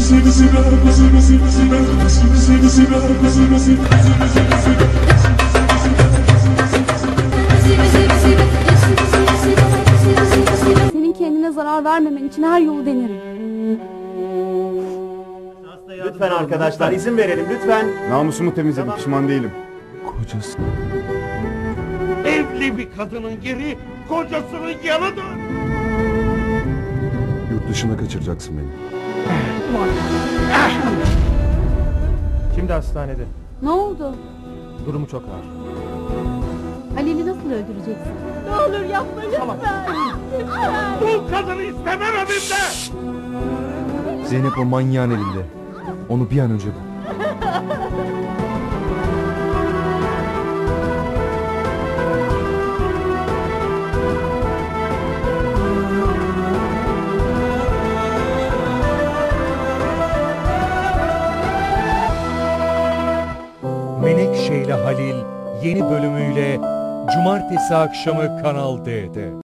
Senin kendine zarar vermemen için her yolu denerim. Lütfen arkadaşlar izin verelim lütfen. Namusumu temizledim, pişman değilim. Kocası. Evli bir kadının yeri kocasının yanıdır. Yurt dışına kaçıracaksın beni. Şimdi hastanede. Ne oldu? Durumu çok ağır. Halil'i nasıl öldüreceksin? Ne olur yapma lütfen. Bu kadını istemem evimde. Zeynep o manyağın elinde. Onu bir an önce bul. Menekşe ile Halil yeni bölümüyle Cumartesi akşamı Kanal D'de.